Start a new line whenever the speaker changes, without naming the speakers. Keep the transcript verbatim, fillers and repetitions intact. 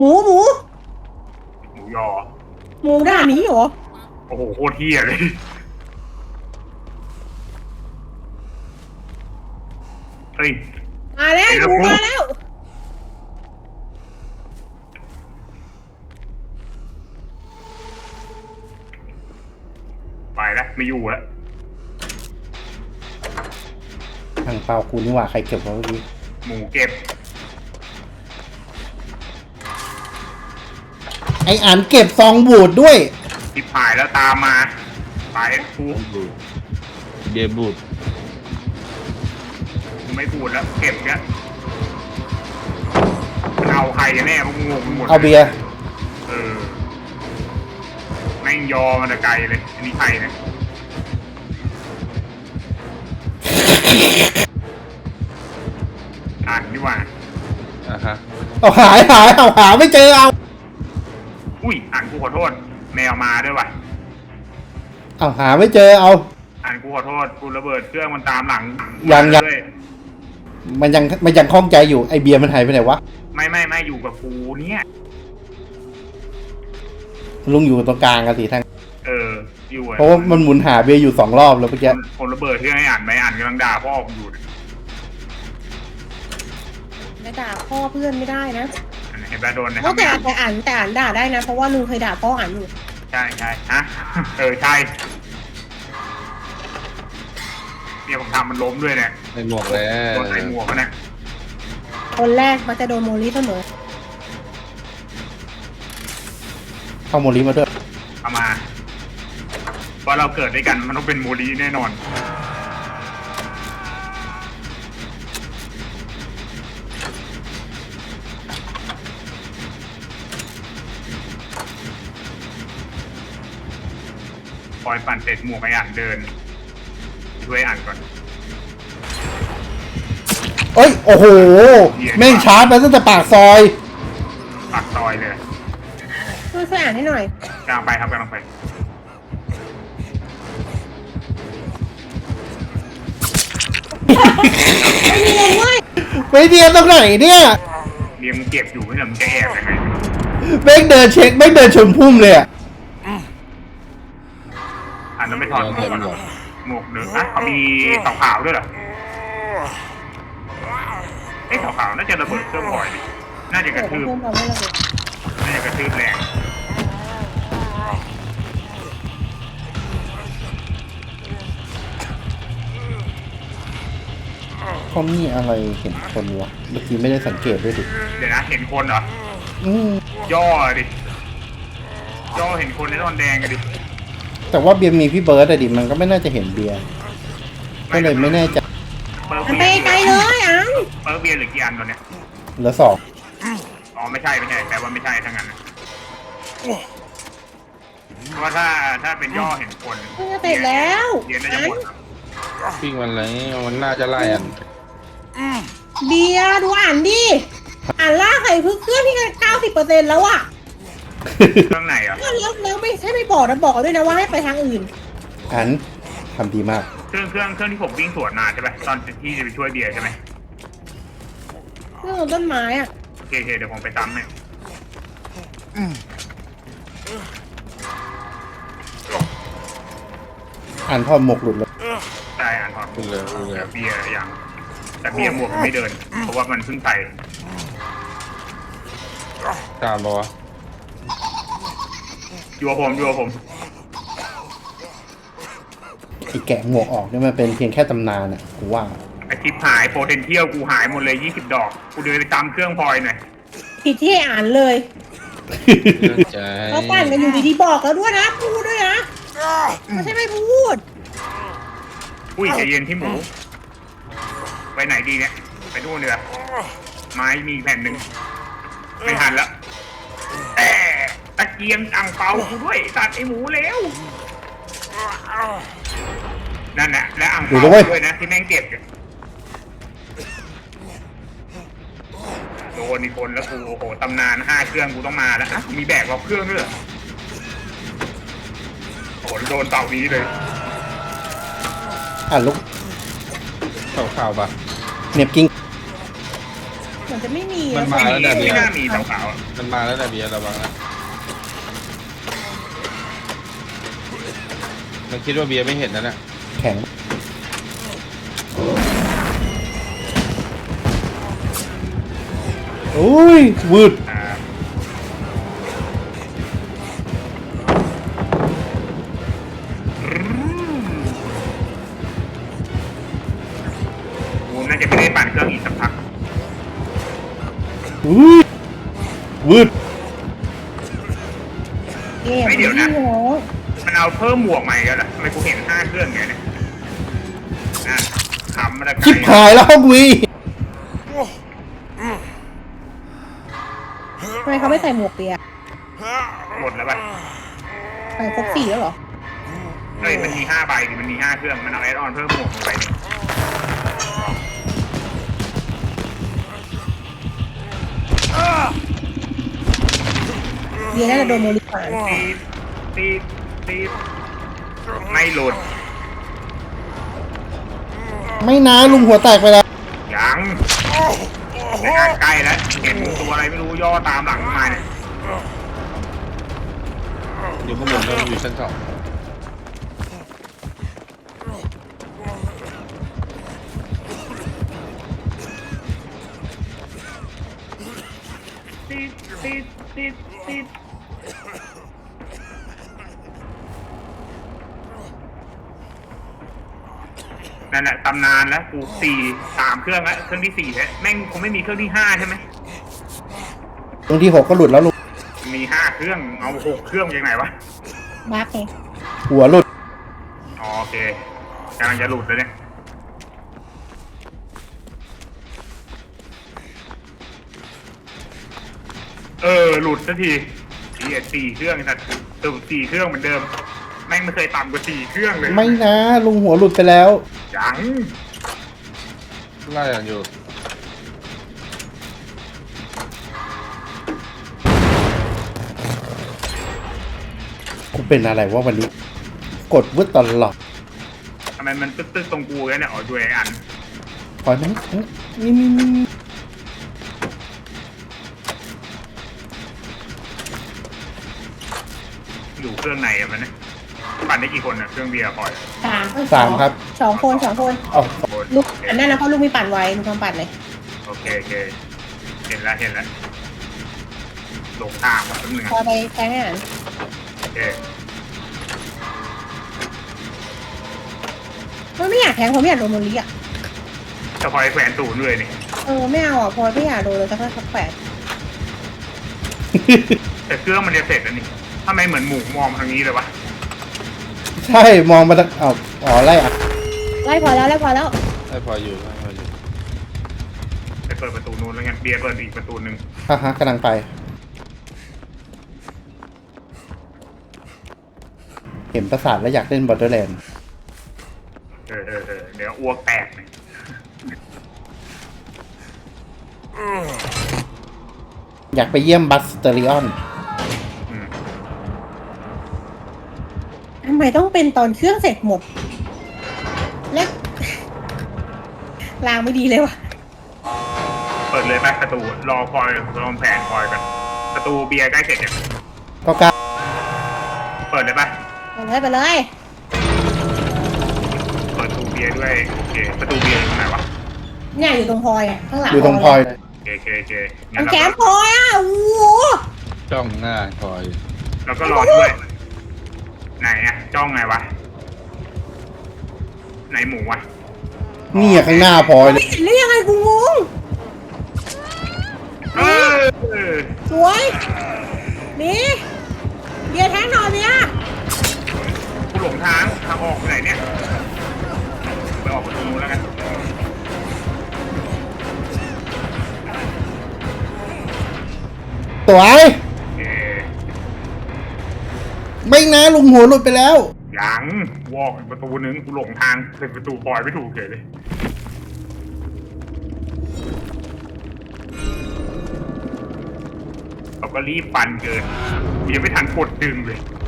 หมูหมู
หมูยอ
หมูด่านนี้เหรอ
โอ้โหโคตรเที่ยเลยเฮ้ย
มาแล้วหมูมาแล้ว
ไปแล้วไม่อยู่แล้ว
ทางเปล่ากูนี่หว่าใครเก็บไว้เมื่อกี้
หมูเก็บ
ไออันเก็บซองบูดด้วย
ทิพหายแล้วตามมาไปกู
เบียร์บูด
ไม่บูดแล้วเก็บเนี้ยเอาใครกันแน่พวกงงไปหมด
เอาเบียร์
เออแม่งยอมันจะไกลเลยอันนี้ใครเนี่ยอ่านดีกว่า
อ่ะฮะ
เอาหายหายเอาหาไม่เจอเอา
อุ้ยอ่านกูขอโทษแมวมาด้วยว่ะ
เอาหาไม่เจอเอา
อ่านกูขอโทษกูระเบิดเครื่องมันตามหลัง
ยังยังมันยังมันยังคล่องใจอยู่ไอเบียร์มันหายไปไหนวะ
ไม่ไม่ไม่อยู่กับกูเนี่ย
ลุงอยู่ตรงกลางกันสิทาง
เอออยู่
เพราะว่ามันหมุนหาเบียร์อยู่สองรอบแล้วเมื่อกี้
คนระเบิดเครื่องให้อ่านไม่อ่านกำลังด่าพ่อผมอยู่
ไม่ด่าพ่อเพื่อนไม่ได้นะ
เห็นแบบโดนนะ
เพราะแต่แต่อ่านแต่อ่านด่าได้นะเพราะว่าลุงเคยด่าพ่ออ่านอยู่
ใช่ใช่ฮะเออใช่เนี่ยผมทำมันล้มด้วยเนี่ย
ใส่หมวกแล้ว
โดนใส่หมวกนะ
คนแรกมันจะโดนโมลิเสมอ
เข้าโมลิมาด้วย
เอามาเพราะเราเกิดด้วยกันมันต้องเป็นโมลิแน่นอนคอยปั่นเสร็จหมวกไอ้อ่านเดินช่วยอ่านก่อน
เอ้ยโอ้โหแม่งชาร์จมาตั้งแต่ปากซอย
ปากซอยเลย
ช่วยช่วยอ่านให้หน่อย
กำลังไปครับกำลังไป
ไม่เรียนเว้ย
ไม่เรียนตรงไหนเนี่ย
เรียนมึงเก็บอยู่ไม่ใช่มึงจะแอบยังไง
แม่งเดินเช็คแม่งเดินชนพุ่มเลยอ่ะ
อ่านแล้วไม่ถอดหมวกหมวกเนื้ออ่ะเขามีขาวขาวด้วยเหรอไอ้ขาวขาวน่าจะระเบิดเครื่องพลอยดิน่าจะกระทืบน่าจะกระทืบแรง
เขามีอะไรเห็นคนวะเมื่อกี้ไม่ได้สังเกตด้วยดิ
เดี๋ยวนะเห็นคนเหรอ
อืม
ย่อดิย่อเห็นคนในตอนแดงกันดิ
แต่ว่าเบียร์มีพี่เบิร์ดอะดิมันก็ไม่น่าจะเห็นเบียร์ก็เลยไม่แน่ใจ
มันไปไกลเลยอ่ะ
เปิร์เบียร์หรือกี่อันตอนเนี้ย
เหลือสอง
อ๋อไม่ใช่ไม่ใช่แต่ว่าไม่ใช่ทั้งนั้นเพราะว่าถ้าถ้าเป็นย่อเห็นคน
จะเสร็จแล้ว
เบียร์น่าจะหมด
ปิ้งมันอะไรมันน่าจะไล่อ่ะ
เบียร์ดูอ่านดิอ่านล่าใส่พึ่งเครื่องที่เก้าสิบเปอร์เซ็นต์แล้วอ่ะ
เครื่องไหนอ่ะ
แล้วแล้วไม่ใช่ไม่บอกนะบอกด้วยนะว่าให้ไปทางอื่น
อันทำดีมาก
เครื่องเครื่องเครื่องที่ผมวิ่งสวนมาใช่ไหมตอนที่จะไปช่วยเบียร์ใช่ไหม
เครื่องต้นไม้อ่ะ
โอเคเดี๋ยวผมไปตามเนี่ย
อ่านพอหมกหลุดเลย
ใช่อ่านพอ
หลุดเลย
เบียร์อย่างแต่เบียร์หมวกไม่เดินเพราะว่ามันเพิ่งใส่
ตามปะวะ
อยู่กับผมอยู่กับผม
ไอ้แกะหมวกออกเนี่ยมันเป็นเพียงแค่ตำนานอ่ะกูว่า
ไอคลิปหายโพเทนเทียลกูหายหมดเลยยี่สิบดอกกูเดินไปตามเครื่องพลอยหน่อย
ผิดที่อ่านเลยเขาปั่นกันอยู่ดีๆบอกแล้วด้วยนะพูดด้วยนะไม่ใช่ไม่พูด
อุ้ยใจเย็นที่หมูไปไหนดีเนี่ยไปนู่นเนียไม้มีแผ่นหนึ่งไม่ทันแล้วแต่ตะเกียงอ่างเปากูด้วยตัดไอหมูแล้วนั่นแหละและอ่างเปาด้วยนะที่แม่งเก็บโดนอีกคนแล้วกูโอ้โหตำนานห้าเครื่องกูต้องมาแล้วอ่ะมีแบกรอบเครื่องด้วยโอ้โหโดนเต่านี้เลย
อ่ะลุก
ข่าวข่าวปะ
เน็บกิ้ง
มือนจะไม่มี
มันมาแล้วนะเบี
ไม่
ยร์
น่ามีสาวๆอะ
มันมาแล้วนะเบียร์ระวังนะมันคิดว่าเบียร์ไม่เห็นนะเนี่ย
แข็งโอ้ยวืด
อ่ากูน่าจะไม่ได้ปั่นเครื่องอีกสักพัก
อุ้ยวืด
เกมไม่โห
มันเอาเพิ่มหมวกใหม่แล้วล่ะทำไมกูเห็นห้าเครื่องอย่างเนี้ยนั่นขำมาตะไก
ชิบหายแล้วห้องวี
ทำไมเขาไม่ใส่หมวกเปีย
หมดแล้วป่ะ
ใส่ครบสี่แล้วเหรอ
เฮ้ยมันมีห้าใบดิมันมีห้าเครื่อง มันเอาแอดออนเพิ่มหมวกลงไปดิ
เบียร์น่าจะโดนโมลิฟาน
ตีดตีดตีดไม่หลุด
ไม่นะลุงหัวแตกไปแล้ว
ยังในงานใกล้แล้ว เห็นตัวอะไรไม่รู้ย่อตามหลังมาเนี่ย
อยู่ข้างบนแล้วอยู่ชั้นสอง
ตีดตีดตีดตีดนั่นแหละตำนานแล้วกูสี่สามเครื่องแล้วเครื่องที่สี่แล้วแม่งคงไม่มีเครื่องที่ห้าใช่ไหม
ตรงที่หกก็หลุดแล้วลุง
มีห้าเครื่องเอาหกเครื่องยังไงวะ
บักไง
หัวหลุด
อ๋อโอเคกำลังจะหลุดเลยเนี่ยเออหลุดสักทีสี่สี่เครื่องสัตว์ตึ่สี่เครื่องเหมือนเดิมแม่งไม่เคยต่ำกว่าสี่เครื่องเลย
ไม่นะลุงหัวหลุดไปแล้ว
ยัง
ไล่กันอยู่
กูเป็นอะไรวะวันนี้ กดวืดตลอด
ทำไมมันตึ๊กๆตรงกูเนี่ยอ๋อด้วยไอ้อัน
ปล่อยไหมนี่นี่นี่นี่
อยู่เครื่องไหนอะมันเนี่ยปั่นได้กี่คนอะเครื่องเบียร์คอย
สามเอ้ย
สามครับ
สองคนสองคน
อ๋อ
คน
ลูกอันนั้นนะเพราะลูกมีปั่นไว้ลูกทำปั่นเลย
โอเคโอเคเห็นแล้วเห็นแล้วหลงทางว่ะแป๊บนึง
พอ
อะ
ไปแทงอาหาร
โอเค
มันไม่อยากแทงเพราะไม่อยากโดนโมลิอ่ะ
จะคอยแขวนตูนด้วยนี่
เออไม่เอาอ่ะพอไม่อยากโดนเลยจะแค่สักแปด
แต่เครื่องมันจะเสร็จแล้วนี่ทำไมเหมือนหมูมองทางนี้เลยวะ
ใช่มองมาทางเอาอ๋อไล่อ่ะ
ไล่พอแล้วไล่พอแล้ว
ไล่พออยู่ไล่พออยู่
ไปเปิดประตูนู้นแล้วกันเบียร์เปิดอีกประตูหนึ่ง
ฮ่าฮะกำลังไป เห็นประสาทแล้วอยากเล่นบอ r เ e อร์แลนด์
เออเออเออเดี๋ยวอ้วกแตกเลย
อยากไปเยี่ยมบัสเตอริออน
อืม
ทำไมต้องเป็นตอนเครื่องเสร็จหมด และลางไม่ดีเลยว่ะ
เปิดเลยไหมประตูรอคอยรอแผนคอยกันประตูเบียร์ใกล้เสร็จยัง
ก็กล้า
เปิดเลยปะ
ไปเลยไปเลย
เปิดประตูเบียร์ด้วยโอเคประตูเบียร์อยู่ตรงไหนวะ
เนี่ยอยู่ตรงพลอยอ่ะข้างหลัง
อยู่ตรงพลอย
เลย
โอเคโอเคโอเค
ตร
งั้น
ง
เรา
แก้มพ
ก็
ลอยอ่ะโอ้โห
จ้องหน้าคอย
เราก็รอด้วยไหนอะจ้องไงวะไหนหมูวะ
นี่อะข้างหน้าพลอยเล
ไม่
ย
เห็นได้ยังไงกูงง
เออ
สวยนี่เบียร์แทงหน่อยเนี่ย
กูหลงทางทางออกไปไหนเนี่ยไปออกประตูนู้นแล้วกัน
สวย
โอเค
ไม่นะลุงหัวหลุดไปแล้ว
ยังวอกอีกประตูนึงกูหลงทางเป็นประตูปล่อยไม่ถูกเฉยเลยเราก็รีบปั่นเกินกูยังไม่ทันกดดึงเลย